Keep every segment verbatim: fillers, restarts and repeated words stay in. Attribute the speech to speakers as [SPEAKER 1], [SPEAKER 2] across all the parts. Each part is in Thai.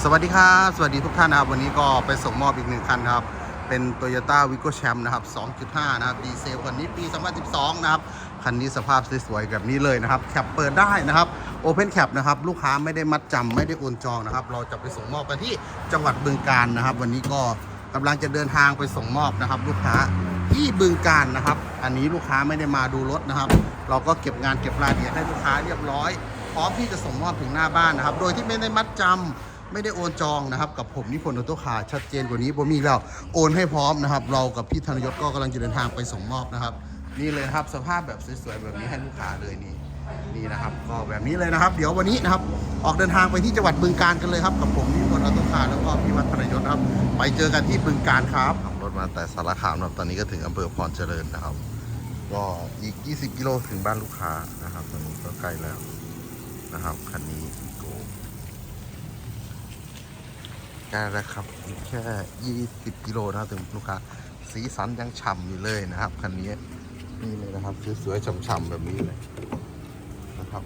[SPEAKER 1] วัสดีครับสวัสดีทุกท่านนะครับวันนี้ก็ไปส่งมอบอีกหนึ่งคันครับเป็น Toyota Vigo Champ นะครับ สองจุดห้า นะครับดีเซลคันนี้ปี สองพันสิบสอง นะครับคันนี้สภาพสวยๆแบบนี้เลยนะครับแคปเปิดได้นะครับ Open Cap นะครับลูกค้าไม่ได้มัดจำไม่ได้โอนจองนะครับเราจะไปส่งมอบกันที่จังหวัดบึงกาฬนะครับวันนี้ก็กำลังจะเดินทางไปส่งมอบนะครับลูกค้าที่บึงกาฬนะครับอันนี้ลูกค้าไม่ได้มาดูรถนะครับเราก็เก็บงานเก็บรายละเอียดให้ลูกค้าเรียบร้อยพร้อมที่จะส่งมอบถึงหน้าบ้านนะครับโดยที่ไม่ได้มัดจำไม่ได้โอนจองนะครับกับผมนิพนธ์ออโต้คาร์ชัดเจนกว่านี้ผมมีแล้วโอนให้พร้อมนะครับเรากับพี่ธนยศก็กำลังจะเดินทางไปส่งมอบนะครับนี่เลยครับสภาพแบบสวยๆแบบนี้ให้ลูกค้าเลยนี่นี่นะครับก็แบบนี้เลยนะครับเดี๋ยววันนี้นะครับออกเดินทางไปที่จังหวัดบึงกาฬกันเลยครับกับผมนิพนธ์ออโต้คาร์แล้วก็พี่วัฒนยศครับไปเจอกันที่บึงกาฬครับขับรถมาแต่สารคามนะครับตอนนี้ก็ถึงอำเภอพรเจริญนะครับก็อีกยี่สิบกิโลถึงบ้านลูกค้านะครับตอนนี้ก็ใกล้แล้วนะครับคันนี้ใกล้แล้วครับแค่ยี่สิบกิโลนะครับถึงลูกค้าสีสันยังฉ่ำอยู่เลยนะครับคันนี้นี่เลยนะครับสวยๆฉ่ำๆแบบนี้เลยนะครับ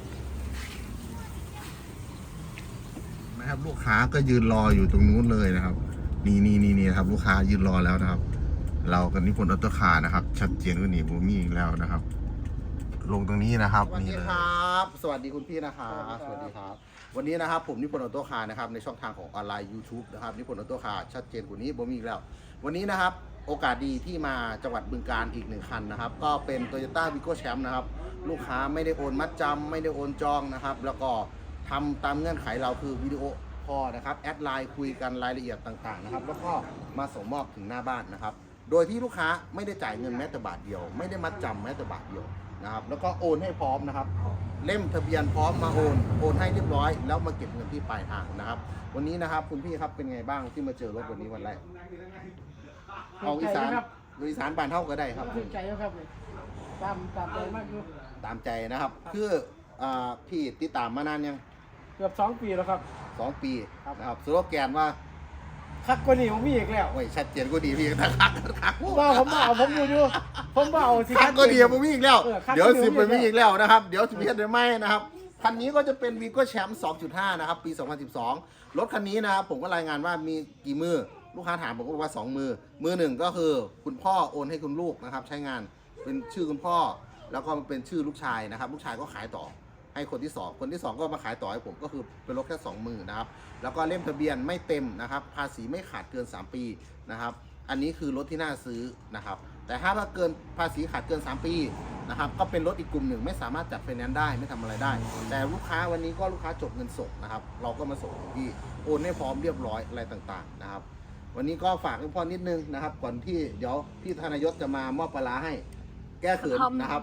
[SPEAKER 1] นะครับลูกค้าก็ยืนรออยู่ตรงนู้นเลยนะครับนี่นี่นี่นี่ครับลูกค้ายืนรอแล้วนะครับเรากับนิพนธ์ออโต้คาร์นะครับชัดเจนกว่านี้ผมมีอีกแล้วนะครับลงตรงนี้นะครับสวัสดีครับสวัสดีคุณพี่นะครับสวัสดีครับวันนี้นะครับผมนิพนธ์ออโต้คาร์นะครับในช่องทางของออนไลน์ YouTube นะครับนิพนธ์ออโต้คาร์ชัดเจนกว่านี้ผมมีอีกแล้ววันนี้นะครับโอกาสดีที่มาจังหวัดบึงกาฬอีกหนึ่งคันนะครับก็เป็น Toyota Vigo Champ นะครับลูกค้าไม่ได้โอนมัดจำไม่ได้โอนจองนะครับแล้วก็ทำตามเงื่อนไขเราคือวิดีโอคอลนะครับแอดไลน์คุยกันรายละเอียดต่างๆนะครับแล้วก็มาส่งมอบถึงหน้าบ้านนะครับโดยที่ลูกค้าไม่ได้จ่ายเงินแม้แต่บาทเดียวไม่ได้มัดจำแม้แต่บาทเดียวนะครับแล้วก็โอนให้พร้อมนะครับเล่มทะเบียนพร้อมมาโอนโอนให้เรียบร้อยแล้วมาเก็บเงินที่ปลายทางนะครับวันนี้นะครับคุณพี่ครับเป็นไงบ้างที่มาเจอรถวันนี้วันแรกเอาอีสานอีสานบ้านเท่าก็ได้ครับ
[SPEAKER 2] ถูกใจแล้วครับตามตามใจมากอยู่
[SPEAKER 1] ตามใจนะครับคือพี่ติดตามมานานยัง
[SPEAKER 2] เกือบสองปีแล้วครับ
[SPEAKER 1] สองปีนะครับสโลแกนว่า
[SPEAKER 2] คักกว่านี้ผมมีอีกแล้ว
[SPEAKER 1] โอ้ยชัดเจนกว่าดีพี่ทักทัก
[SPEAKER 2] ว่าผมเบาผมดูอยู่ผมเบาสิ
[SPEAKER 1] คักกว่าดีผมมีอีกแล้วเดี๋ยวสิบไปมีอีกแล้วนะครับเดี๋ยวสิบเฮ็ดได้ไหมนะครับคันนี้ก็จะเป็น Vigo Champ สองจุดห้า นะครับปี สองพันสิบสอง รถคันนี้นะครับผมก็รายงานว่ามีกี่มือลูกค้าถามผมก็บอกว่าสองมือมือหนึ่งก็คือคุณพ่อโอนให้คุณลูกนะครับใช้งานเป็นชื่อคุณพ่อแล้วก็เป็นชื่อลูกชายนะครับลูกชายก็ขายต่อให้คนที่สองคนที่สองก็มาขายต่อให้ผมก็คือเป็นรถแค่สองมือนะครับแล้วก็เล่มทะเบียนไม่เต็มนะครับภาษีไม่ขาดเกินสามปีนะครับอันนี้คือรถที่น่าซื้อนะครับแต่ถ้าว่าเกินภาษีขาดเกินสามปีนะครับก็เป็นรถอีกกลุ่มหนึ่งไม่สามารถจัดไฟแนนซ์ได้ไม่ทำอะไรได้แต่ลูกค้าวันนี้ก็ลูกค้าจบเงินสดนะครับเราก็มาส่งที่โอนให้พร้อมเรียบร้อยอะไรต่างๆนะครับวันนี้ก็ฝากคุณพ่อนิดนึงนะครับก่อนที่เดี๋ยวพี่ธนยศจะมามอบปลาร้าให้แก้เขินนะครับ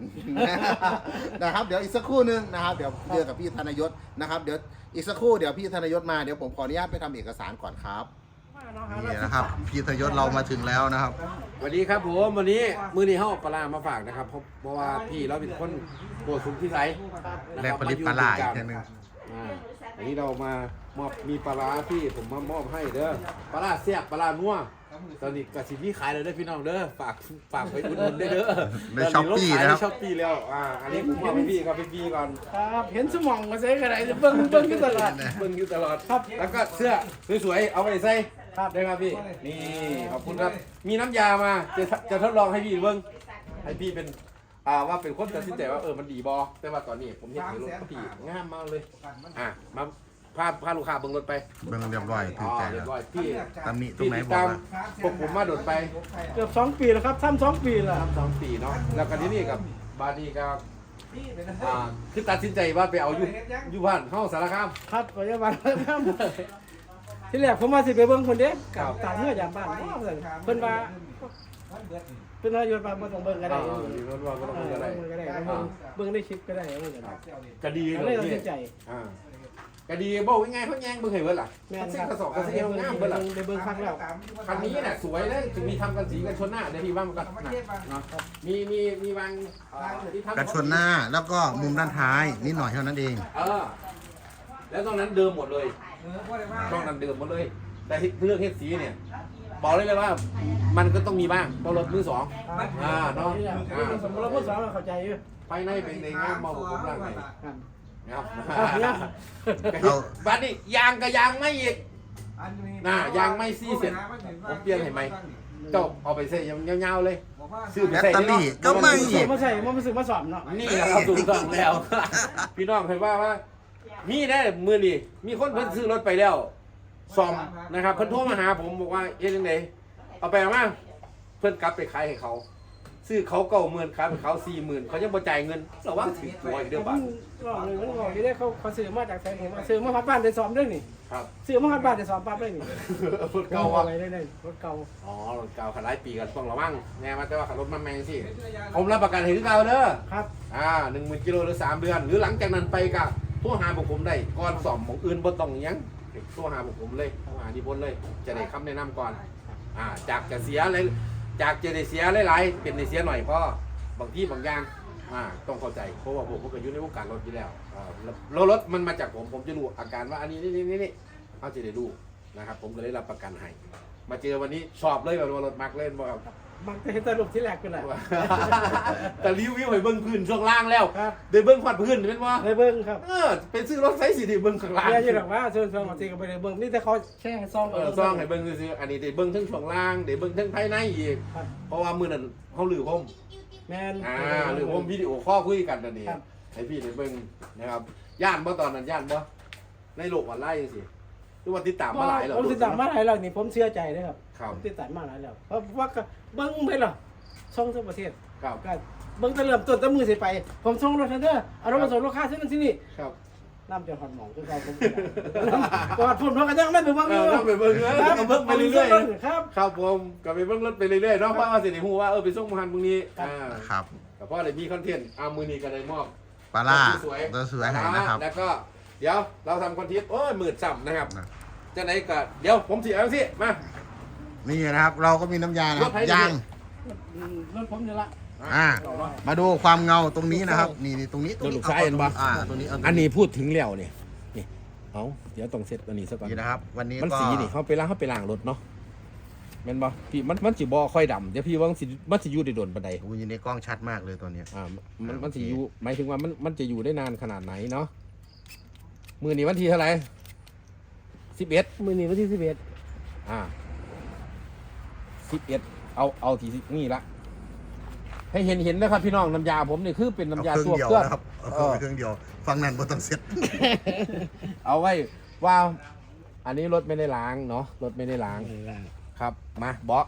[SPEAKER 1] นะครับเดี๋ยวอีกสักครู่นึงนะครับเดี๋ยวเจอกับพี่ธนยศนะครับเดี๋ยวอีกสักครู่เดี๋ยวพี่ธนยศมาเดี๋ยวผมขออนุญาตไปทำเอกสารก่อนครับนี่นะครับพี่ธนยศเรามาถึงแล้วนะครับ
[SPEAKER 3] สวัสดีครับผมวันนี้มือนี้เข้าปลามาฝากนะครับเพราะว่าพี่เราเป็นคนโบสุนที่ไร
[SPEAKER 1] และผลิตปลาอีกแค่นึง
[SPEAKER 3] อันนี้เรามามอบมีปลาที่ผมมามอบให้เด้อปลาเสียบปลานัวตอนนี้กระสิบนี่ขายเลยเด้อพี่น้องเด้อฝากฝากไปอุดหนุนได้เด้อ
[SPEAKER 1] ในช้อปปี้นะครับ
[SPEAKER 3] ช้อปปี้แล้วอ่าอันนี้ผมมอบให้พี่ครับพี่ก่อน
[SPEAKER 2] ครับเห็นสมองมาใส่กระไรเบิ้งเบิ้งอยู่ตลอด
[SPEAKER 3] เบิ้งอยู่ตลอดครับแล้วก็เสื้อสวยๆเอาไปใส่ครับได้ครับพี่นี่ขอบคุณครับมีน้ำยามาจะจะทดลองให้พี่เบิ้งให้พี่เป็นอ่าว่าเป็นคนตัดสินใจว่าเออมันดีบอแต่ว่าตอนนี้ผมเห็นรถพี่งามมากเลยอ่ะมาพาพาลูกค้าเบิ้งรถไป
[SPEAKER 1] เบิ้งเรียบร้อยถูกใจแล้ว
[SPEAKER 3] พี่
[SPEAKER 1] ตำหนิตรงไหนบอกว่า
[SPEAKER 3] พวกผมมาโดดไป
[SPEAKER 2] เกือบสองปีแล้วครับทำสองปีแล้ว
[SPEAKER 3] ทำสองปีเนาะแล้วกันที่นี่กับบาดีกับอ่าคือตัดสินใจว่าไปเอาอยู่อยู่บ้านเข้าสารคาม
[SPEAKER 2] ครับปัจจุบันครับที่แรกผมมาสิไปเบิ้งคนเด็กกับตาเนื้อยามบ้านเพิ่นว่าเพิ่นว่าอยู่บ้านบ่ต้องเบิ้งก็ได้เบิ้งว่าบ่ต้องเบิ้งก็ได้เบิ้งได้คลิปก็ได้
[SPEAKER 3] ก็ดี
[SPEAKER 2] เลยตัดสินใจ
[SPEAKER 3] อ่าก็ดีบอกว่าไงเขาแย่งเบิ้งให้เบิ้งล่ะแม่นกระสอบกระเซียวงามเบิ้งล่ะ
[SPEAKER 2] ได้เบิ้งครั้งแล้ว
[SPEAKER 3] คันนี้น่ะสวยเลยถึงมีทำกันสีกันชนหน้าเดี๋ยวพี่ว่ามันก็เนาะมีมีมีบาง
[SPEAKER 1] ที่ทำกันชนหน้าแล้วก็มุมด้านท้ายนิดหน่อยเท่านั้นเอง
[SPEAKER 3] เออแล้วตรงนั้นเดิมหมดเลยตรงนั้นเดิมหมดเลยแต่เรื่องเฮ็ดสีเนี่ยบอกเลยเลยว่ามันก็ต้องมีบ้างเพราะรถมือสองอ่าเนาะ
[SPEAKER 2] สมมติเรามือสองเราเข้าใจอยู่
[SPEAKER 3] ภายในเป็นในงามมองผมร่างไหนนะครับ
[SPEAKER 2] เนี่ย
[SPEAKER 3] บ้านนี้ยางกับยางไม่อีกน่ายางไม่ซี่เสร็จผมเปลี่ยนให้ไหมเจ้าเอาไปใส่ยาวๆเลยซื้อไป
[SPEAKER 1] แบต
[SPEAKER 3] ใส่
[SPEAKER 1] เตอรี่ก็ไม่
[SPEAKER 2] มัน
[SPEAKER 1] อีก
[SPEAKER 2] มาใส่มันมาซื้อมาสอบเนาะ
[SPEAKER 3] นี่แหละครับถูกต้องแล้ว พี่น้องเคยว่าว่ามีได้มือนี่มีคนเพิ่นซื้อรถไปแล้วซ่อมนะครับเพิ่นโทรมาหาผมบอกว่าเอ๊ะยังไงเอาไปเอามาเพิ่นกลับไปขายให้เขา ซื้อเขาเก้าหมื่นขายให้เขาสี่หมื่นเขายังบ่จ่ายเงินระวังถึงตัวอีกเด้อ
[SPEAKER 2] มั
[SPEAKER 3] บ้าน
[SPEAKER 2] นบอกเลยมันบอกที่ได้เขาเขาซื้อมาจากแสนเห็นว่าซื้อมาพัดบ้านได้สอบด้วยนี่
[SPEAKER 3] ครับ
[SPEAKER 2] ซื้อมาพัดบ้านได้สอบปั๊บเลยนี่
[SPEAKER 3] รถเก่าว่ะ
[SPEAKER 2] อะไรได้เลยรถเก่า
[SPEAKER 3] อ๋อรถเก่าขันหลายปีกันต้องระวังแน่มาแต่ว่าขับรถมาแมงสิผมรับประกันให้ถึงเก่าเด้อ
[SPEAKER 2] ครับ
[SPEAKER 3] อ่าหนึ่งหมื่นกิโลหรือสามเดือน หรือหลังจากนั้นไปก็โทรหาพวกผมได้ก่อนสอบของอื่นบ่ต้องหยังโทรหาพวกผมเลยโทรหานิพนธ์เลย จะได้คำแนะนำก่อนอ่าจากจะเสียอะไรจากจะได้เสียหลายๆเป็นได้เสียหน่อยเพราะบางที่บางอย่างอ่าต้องเข้าใจเพราะว่าผมก็อยู่ในวงการรถอยู่แล้วอ่าแล้วรถมันมาจากผมผมจะรู้อาการว่าอันนี้นี่นี่นี่เขาจะได้รู้นะครับผมก็เลยรับประกันให้มาเจอวันนี้ชอบเลยแบบว่ารถมักเล่นบ่ครับ
[SPEAKER 2] มันจะเห็นสรุปที่แรกกันแหละ
[SPEAKER 3] แต่รีวิวให้เบิ้งพื้นช่วงล่างแล้ว
[SPEAKER 2] ครับ
[SPEAKER 3] ได้เบิ้งขวัดพื้นเป็นว่า
[SPEAKER 2] ในเบิ้งครับ
[SPEAKER 3] เออเป็นซื้อรถไซส์สี่ที่เบิ้งข้างล่าง
[SPEAKER 2] เนี่ยอยู่หรอกว่าเชิญชวนมาตีกันไปในเบิ้งนี่แต่เขาแค่ให้ซอง
[SPEAKER 3] เออซ่องให้เบิ้งซื้อๆอันนี้ได้เบิ้งทั้งช่วงล่างได้เบิ้งทั้งภายในอีก
[SPEAKER 2] ครับ
[SPEAKER 3] เพราะว่ามือนั้นเขาหลือผม
[SPEAKER 2] แมน
[SPEAKER 3] อ่าหรือผมวิดีโอข้อลคุยกันนั่นเอง
[SPEAKER 2] ครับ
[SPEAKER 3] ให้พี่ได้เบิ้งนะครับย่านบ่ตอนนั้นย่านบ่ในโลกออนไลน์จังซี่หรือว่าติดตามมาหลายแล้ว
[SPEAKER 2] ผมติดตามมาหลายแล้วนี่ผมเชื่อใจนะครับ
[SPEAKER 3] ครับ
[SPEAKER 2] ผมติดตามมาหลายแล้วเพราะว่าก็เบิ้งไปหรอช่องทั่วประเทศ
[SPEAKER 3] ครับ
[SPEAKER 2] ก็เบิ้งแต่เริ่มต้นแต่มือสิไป ผมส่งรถทันเดอร์เอารถมาส่งลูกค้าที่นั่นที่นี่
[SPEAKER 3] ครับ
[SPEAKER 2] น้ำจนหอดหมองคือเราผมกอดพุ่นเพราะกันยังไม่ไปเบิ้ง
[SPEAKER 3] เอ
[SPEAKER 2] อยู่
[SPEAKER 3] อต้องไปเบิ้งเออก็เบิ้งไปเรื่อยๆ
[SPEAKER 2] ครับ
[SPEAKER 3] ครับผมก็ไปเบิ้งรถไปเรื่อยๆเนาะเพราะว่าสิได้ฮู้ว่าเออไปส่งมาหันพรุ่งนี้อ่า
[SPEAKER 1] ครับ
[SPEAKER 3] แต่เพราะอะไรมีคอนเทนต์เอามือนี้ก็ได้มอบ
[SPEAKER 1] ปลาล่า
[SPEAKER 3] สวย
[SPEAKER 1] ตัวสวยให้นะครับ
[SPEAKER 3] แล้วก็เดี๋ยวเราทำคอนเทนต์โอ้ยหมื่นซ้ำนะครับ
[SPEAKER 1] นะ
[SPEAKER 3] จะไหนก็เดี๋ยวผมสิเอาสิมา
[SPEAKER 1] นี่นะครับ เราก็มีน้ำยานะครับ
[SPEAKER 3] รถไถ
[SPEAKER 1] ยาง
[SPEAKER 2] รถผมนี่ละ
[SPEAKER 1] อ่ามาดูความเงาตรงนี้นะครับ นี่นี่ตรงนี้ตรงนี้
[SPEAKER 3] รถลูกซ้ายเห็นปะ
[SPEAKER 1] อ่าตรงนี้เาตรง
[SPEAKER 3] อันนี้พูดถึงแล้วเนี่ยนี่เอาเดี๋ยวต้องเซตอันนี้ซะก่อน
[SPEAKER 1] นี่นะครับ วันนี้
[SPEAKER 3] มัน
[SPEAKER 1] ก็
[SPEAKER 3] สีนี่เขาไปล้างเขาไปล้างรถเนาะแม่นบ่พี่มันมันสิบ่ค่อยดำเดี๋ยวพี่ว่ามันสิมันสิอยู่ได้โดนปานใด
[SPEAKER 1] โอ้ยอยู่ในกล้องชัดมากเลยตัวเนี้ย
[SPEAKER 3] อ่ามันมันสิอยู่หมายถึงว่ามันมันจะอยู่ได้นานขนาดไหนเนาะมือนี้วันที่เท่าไหร่สิบเอ็ด
[SPEAKER 2] มือนี้วันที่สิบเอ็ด
[SPEAKER 3] อ่าสิบเอ็ดเอาเอาที่นี่ละให้เห็นเห็นนะครับพี่น้องน้ำยาผมนี่คือเป็นน้ำยา
[SPEAKER 1] เอาเค
[SPEAKER 3] ตั
[SPEAKER 1] รื่
[SPEAKER 3] ว
[SPEAKER 1] องเดียว
[SPEAKER 3] เครื่อง
[SPEAKER 1] นะครับเอาเครื่องเครื่องเดียวฟังนั่นบนต้องเซ็ต
[SPEAKER 3] เอาไว้ว่าอันนี้รถไม่ได้ล้างเนาะรถไม่ได้ล้างครับมาบอส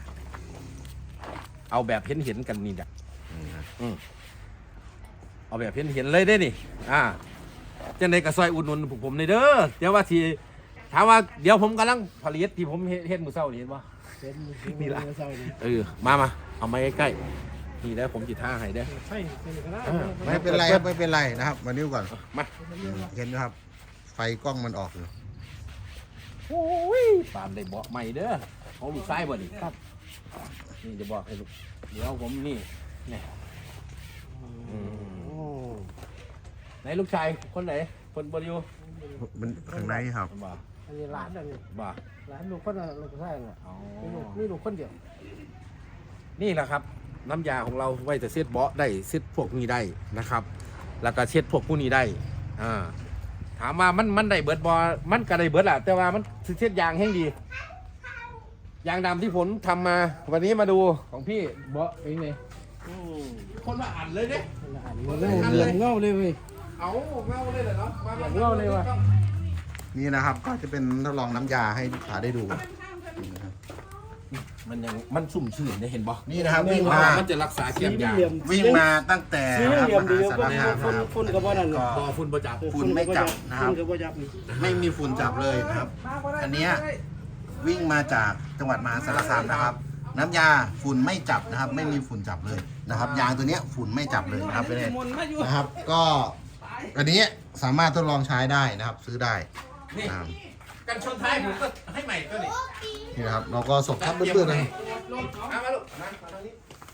[SPEAKER 3] เอาแบบเห็นเห็นกันนี่จ้ะอืมเอาแบบเห็นเห็นเลยได้นี่อ่าจะในกระซอยอุดหนุนพวกผมในเด้อเดี๋ยวว่าทีถามว่าเดี๋ยวผมกำลังผลิตที่ผมเฮ็ดเฮ็ดมือเศร้านี่เห็นปะ นี่ล่ะ เออมามาเอามาใกล้ๆนี่ได้ผมจิท่าให้ได้อ
[SPEAKER 2] ใช่เป็นก็ได้
[SPEAKER 1] ไม่เป็นไรครับไม่เป็นไรนะครับ มานิ้วก่อน
[SPEAKER 3] มา
[SPEAKER 1] เห็นไหมครับ ไฟกล้องมันออกอยู่
[SPEAKER 3] โอ้ยปามได้เบาะใหม่เด้อของลูกชายบ่นี่ครับนี่จะบอกให้ลูกเดี๋ยวผมนี่นี่อืมไหนลูกชายคนไหนคนบริว
[SPEAKER 1] มันข้างในครับ
[SPEAKER 3] บ่
[SPEAKER 2] อันนี้ร้านอันนี้
[SPEAKER 3] บ่
[SPEAKER 2] ร้านลูกคนละลูกชายน่ะ
[SPEAKER 3] อ๋อ
[SPEAKER 2] นี่ลูกนี่ลูกคนเดียว
[SPEAKER 3] นี่แหละครับ น้ำยาของเราไว้จะเช็ดเบาะได้เช็ดพวกนี้ได้นะครับ แล้วก็เช็ดพวกผู้นี้ได้อ่าถามว่ามันมันได้เบิดบอมันก็ได้เบิดแหละแต่ว่ามันสิเช็ดยางแห้งดียางดำที่ผมทำมา วันนี้มาดูของพี่เบาะเป็นไง
[SPEAKER 2] อืม
[SPEAKER 3] คนละอันเลยเนี่ย
[SPEAKER 2] อันนี้เงาเงาเลยเว้ย
[SPEAKER 3] เอาเงาเลยเหรอเนาะมามา
[SPEAKER 2] เงาเลยว่ะ
[SPEAKER 1] นี่นะครับ ก็จะเป็นทดลองน้ำยาให้ลูกค้าได้ดูนี่นะครับ
[SPEAKER 3] มันยังมันสุ่มชื่นได้เห็นบ่
[SPEAKER 1] นี่นะครับวิ่งมา
[SPEAKER 3] มันจะรักษาเขียมยาง
[SPEAKER 1] วิ่งมาตั้งแต่
[SPEAKER 2] สี
[SPEAKER 1] นะครับ
[SPEAKER 2] เหลี่ยม
[SPEAKER 1] ม
[SPEAKER 2] ดี
[SPEAKER 1] หา
[SPEAKER 2] ก็
[SPEAKER 1] สารคาม
[SPEAKER 2] ฝุ่น
[SPEAKER 1] นะครับ
[SPEAKER 2] ฝุ่นกับบ่นั่น
[SPEAKER 1] ก็
[SPEAKER 3] บอฝุ่นประจับ
[SPEAKER 1] ฝุ่นไม่จับนะครับ
[SPEAKER 2] ฝุ่นกับบ่จับนี่
[SPEAKER 1] ไม่มีฝุ่นจับเลยนะครับ อันเนี้ยวิ่งมาจากจังหวัดมหาสารคามนะครับ น้ำยาฝุ่นไม่จับนะครับ ไม่มีฝุ่นจับเลยนะครับ ยางตัวเนี้ยฝุ่นไม่จับเลยนะครับไปเลยนะครับ ก็อันนี้สามารถทดลองใช้ได้นะครับ ซื้อได้
[SPEAKER 3] นี่
[SPEAKER 1] นะครับ
[SPEAKER 3] กันชนท้ายผมก็ให้ใหม่ตัวนี้
[SPEAKER 1] นี่นะครับ เราก็ส่งทับเพื่อนๆนะครับ
[SPEAKER 3] มามาลูกมามาทางนี้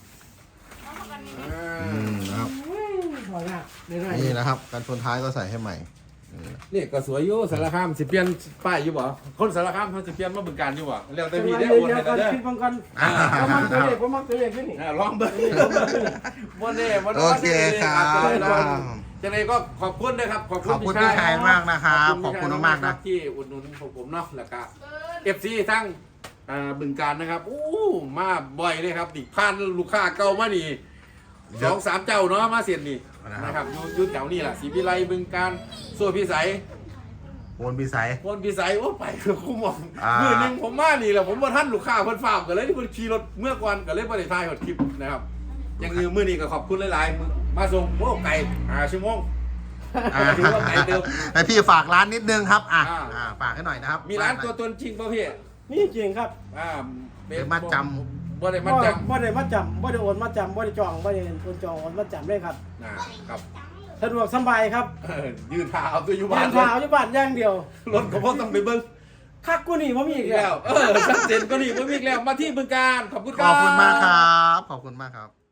[SPEAKER 1] อืมนะครับ
[SPEAKER 2] พอละได้ได้
[SPEAKER 1] นี่นะครับการชนท้ายก็ใส่ให้ใหม่
[SPEAKER 3] นี่ก็สวยอยู่สารคามสิเปลี่ยนป้ายอยู่บ่คนสารคามเขาสิเปลี่ยนมาบึงการอยู่บ่แล้วแต่พี่ได้
[SPEAKER 2] เดี๋ยว
[SPEAKER 3] โอน
[SPEAKER 2] เดี๋ย
[SPEAKER 3] ให้
[SPEAKER 2] วก่อน
[SPEAKER 3] เด้อ
[SPEAKER 2] คิดบังกัน
[SPEAKER 1] อ่า
[SPEAKER 2] ผมมักตัวเลขผมมักตัวเลขขึ้นนี่
[SPEAKER 3] อ่าลองเบิ่งบ่แน่บ่
[SPEAKER 1] โอเคครับ
[SPEAKER 3] อาจจะได้
[SPEAKER 1] ครับ
[SPEAKER 3] จะเลยก็ขอบคุณนะครับขอบคุ
[SPEAKER 1] ข
[SPEAKER 3] ณ
[SPEAKER 1] อบคุณพี่ชายมากนะครับขอบคุณมากๆนะ
[SPEAKER 3] ที่อุดหนุนของผมเนาะแล้วก็เอฟซีทั้งอ่าบึงการนะครับอู้มาบ่อยเลยครับนี่ผ่านลูกค้าเก่ามานี่สองสามเจ้าเนาะมาเสียนนี่นะครับอยู่อยู่แถวนี้แหละศรีวิไลบึงการส่วนพิสัย
[SPEAKER 1] โอนพิสัย
[SPEAKER 3] วนพิสัยโอ้ไปคือคุ้มมอง
[SPEAKER 1] อ่ามื
[SPEAKER 3] มือหนึ่งผมมานี่แหละผมมาท่านลูกค้าเพิ่นฝากกันเลยที่เพิ่นขี่รถเมื่อก่อนก็เลยบ่ได้ถ่ายหดคลิปนะครับอย่างอื่นมื้อนี้ก็ขอบคุณหลายๆมื้อมาส่งโอ้ไก่ห้าชั่วโมง
[SPEAKER 1] อ่า
[SPEAKER 3] ถือว่าไก่เดิม
[SPEAKER 1] ให้พี่ฝากร้านนิดนึงครับอ่ะ
[SPEAKER 3] อ่า
[SPEAKER 1] อ่าฝากให้หน่อยนะครับ
[SPEAKER 3] มีร้านตัวตนจริงป่ะพี่
[SPEAKER 2] นี่จริงครับ
[SPEAKER 3] อ่า
[SPEAKER 1] เดี๋ยวมาจ
[SPEAKER 3] บ่ได้
[SPEAKER 2] บ่
[SPEAKER 3] มาจ
[SPEAKER 2] บ่ได้มาจำบ่ได้โอนมาจำบ่ได้จองบ่ได้โอนจองโอนมาจำเลยครับ
[SPEAKER 3] ำอ่าครับ
[SPEAKER 2] สะดวกสบายครับ
[SPEAKER 3] เออยืนเท้าเอาตัวอยู่บ้า
[SPEAKER 2] บ้าน น
[SPEAKER 3] เล
[SPEAKER 2] เท้าย อยู่บ้านอย่างเดียว
[SPEAKER 3] รถก็บ่ต้องไปเบิ่ง
[SPEAKER 2] คักกูนี่บ่มีอี
[SPEAKER 3] อี
[SPEAKER 2] ก
[SPEAKER 3] ก
[SPEAKER 2] แล้
[SPEAKER 3] แล้ว วเออชัดเจนก็นี่บ่มีอีกแล้วมาที่บึงการขอบคุณค
[SPEAKER 1] ข
[SPEAKER 3] รับ
[SPEAKER 1] อบคุณมากครับ ขอบคุณมากครับ